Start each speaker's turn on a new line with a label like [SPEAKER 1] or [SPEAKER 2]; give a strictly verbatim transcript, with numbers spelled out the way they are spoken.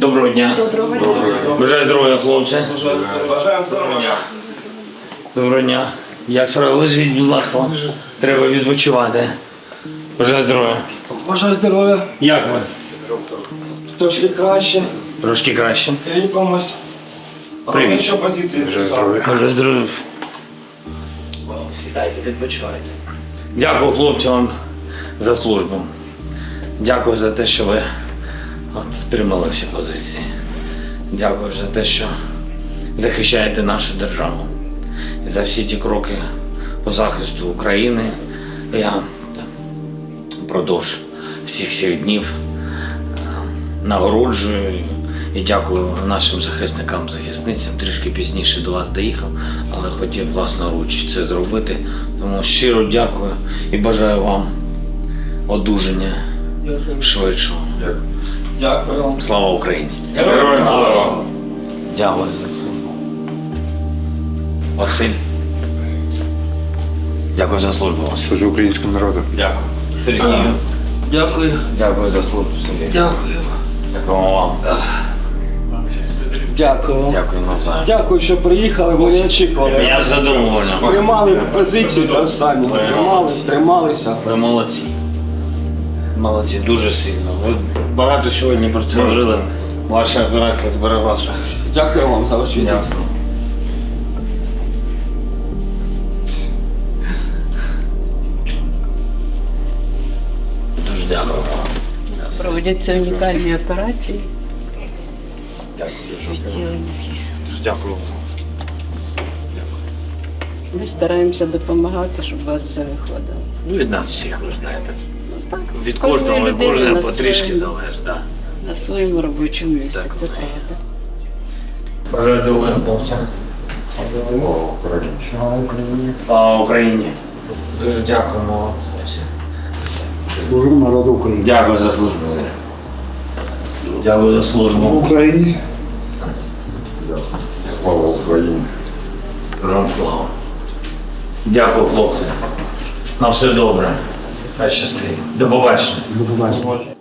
[SPEAKER 1] Доброго дня.
[SPEAKER 2] Доброго дня.
[SPEAKER 1] Бажаю здоров'я, хлопці.
[SPEAKER 3] Бажаємо здоров'я.
[SPEAKER 1] Доброго дня. Як справа? Лежіть, будь ласка. Треба відпочивати. Бажаю здоров'я.
[SPEAKER 3] Бажаю здоров'я.
[SPEAKER 1] Як ви?
[SPEAKER 3] Трошки краще.
[SPEAKER 1] Трошки краще.
[SPEAKER 3] Лікомось.
[SPEAKER 1] Привіт.
[SPEAKER 3] Що позиції?
[SPEAKER 1] Бажаю здоров'я. Сідайте, відпочивайте. Дякую хлопцям за службу. Дякую за те, що ви от, втримали всі позиції. Дякую за те, що захищаєте нашу державу. І за всі ті кроки по захисту України. Я впродовж всіх цих днів нагороджую і дякую нашим захисникам, захисницям. Трішки пізніше до вас доїхав, але хотів власноруч це зробити. Тому щиро дякую і бажаю вам одужання швидшого.
[SPEAKER 3] Дякую вам.
[SPEAKER 1] Слава Україні!
[SPEAKER 3] Героям слава!
[SPEAKER 1] Дякую за службу. Василь. Дякую за службу, Василь.
[SPEAKER 4] Служу українському народу.
[SPEAKER 1] Дякую. Сергію. Дякую. Дякую за службу, Сергій.
[SPEAKER 3] Дякую.
[SPEAKER 1] Дякую вам.
[SPEAKER 3] Дякую.
[SPEAKER 1] Дякую навзаєм.
[SPEAKER 3] Дякую, що приїхали, ми не очікували.
[SPEAKER 1] Я задоволений.
[SPEAKER 3] Тримали позицію до останнього. Тримали, трималися.
[SPEAKER 1] Ви молодці. Молодці, дуже сильно. Ви багато сьогодні про це жили. Ваша операція зберегла сушу.
[SPEAKER 3] Дякую вам за ваш візит.
[SPEAKER 1] Дякую. Дуже дякую вам.
[SPEAKER 2] Проводяться унікальні операції.
[SPEAKER 1] Дуже дякую.
[SPEAKER 2] Ми стараємося допомагати, щоб у вас все виходило.
[SPEAKER 1] Ну, від нас всіх, ви ж знаєте.
[SPEAKER 2] Ну, так,
[SPEAKER 1] Від
[SPEAKER 2] кожної
[SPEAKER 1] кожного і
[SPEAKER 2] людини
[SPEAKER 1] кожного
[SPEAKER 2] на
[SPEAKER 1] потрішки
[SPEAKER 2] своєму-
[SPEAKER 1] залежить. Да.
[SPEAKER 2] На своєму робочому місці,
[SPEAKER 1] Так,
[SPEAKER 2] це
[SPEAKER 1] воно є.
[SPEAKER 2] правда.
[SPEAKER 1] Бажаю здоров'я, хлопцям. Слава Україні! Дуже дякуємо.
[SPEAKER 4] Служу народу України.
[SPEAKER 1] Дякую за службу. Дякую за службу.
[SPEAKER 4] Україні. Слава Україні.
[SPEAKER 1] Героям слава. Дякую, хлопці. На все добре. Хай щастить. До побачення.
[SPEAKER 4] До побачення.